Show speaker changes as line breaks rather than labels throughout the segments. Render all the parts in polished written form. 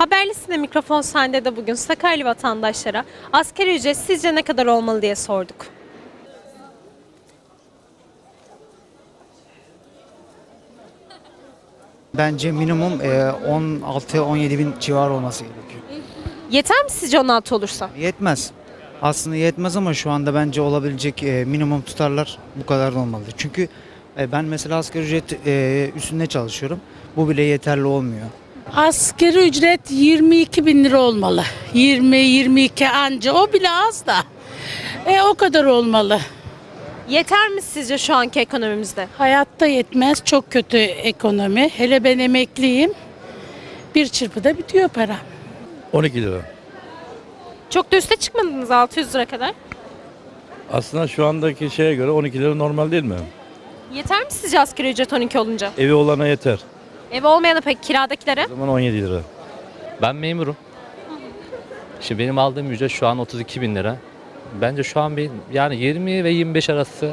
Haberlisinde mikrofon sende de bugün Sakarya vatandaşlara asgari ücret sizce ne kadar olmalı diye sorduk.
Bence minimum 16-17 bin civarı olması gerekiyor.
Yeter mi sizce 16 olursa?
Yetmez. Aslında yetmez ama şu anda bence olabilecek minimum tutarlar bu kadar da olmalı. Çünkü ben mesela asgari ücret üstünde çalışıyorum. Bu bile yeterli olmuyor.
Asgari ücret 22 bin lira olmalı. 20-22 anca, o bile az da. O kadar olmalı.
Yeter mi sizce şu anki ekonomimizde?
Hayatta yetmez, çok kötü ekonomi. Hele ben emekliyim. Bir çırpıda bitiyor para.
12 lira.
Çok da üste çıkmadınız 600 lira kadar.
Aslında şu andaki şeye göre 12 lira normal değil mi?
Yeter mi sizce asgari ücret 12 olunca?
Evi olana yeter.
Ev olmayana peki kiradakilere?
O zaman 17 lira.
Ben memurum. Şimdi benim aldığım ücret şu an 32 bin lira. Bence şu an yani 20 ve 25 arası.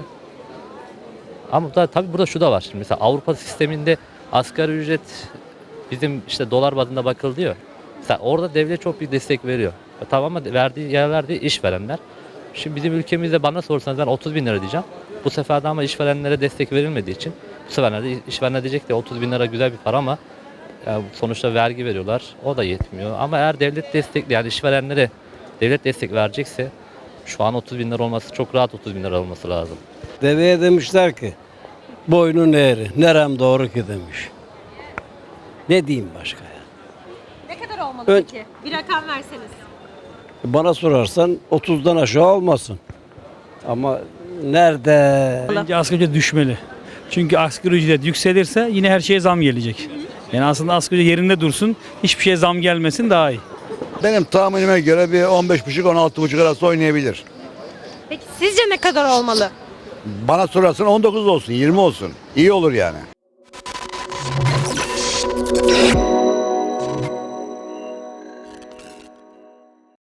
Ama tabii burada şu da var. Şimdi mesela Avrupa sisteminde asgari ücret bizim işte dolar bazında bakıldı diyor. Mesela orada devlet çok büyük destek veriyor. Tamam ama verdiği işverenler. Şimdi bizim ülkemizde bana sorsanız ben 30 bin lira diyeceğim. Bu sefer de ama işverenlere destek verilmediği için bu sefer de işverenler diyecek de 30 bin lira güzel bir para ama yani sonuçta vergi veriyorlar. O da yetmiyor. Ama eğer devlet destekli yani işverenlere devlet destek verecekse şu an 30 bin lira olması çok rahat 30 bin lira olması lazım.
Deveye demişler ki boynun eğri, nerem doğru ki demiş. Ne diyeyim başka ya?
Ne kadar olmalı
Ön-
peki? Bir rakam verseniz.
Bana sorarsan 30'dan aşağı olmasın. Ama nerede?
Bence asgari ücret düşmeli. Çünkü asgari ücret yükselirse yine her şeye zam gelecek. Yani aslında asgari ücret yerinde dursun, hiçbir şeye zam gelmesin daha iyi.
Benim tahminime göre bir 15,5-16,5 arası oynayabilir.
Peki sizce ne kadar olmalı?
Bana sorarsan 19 olsun, 20 olsun. İyi olur yani.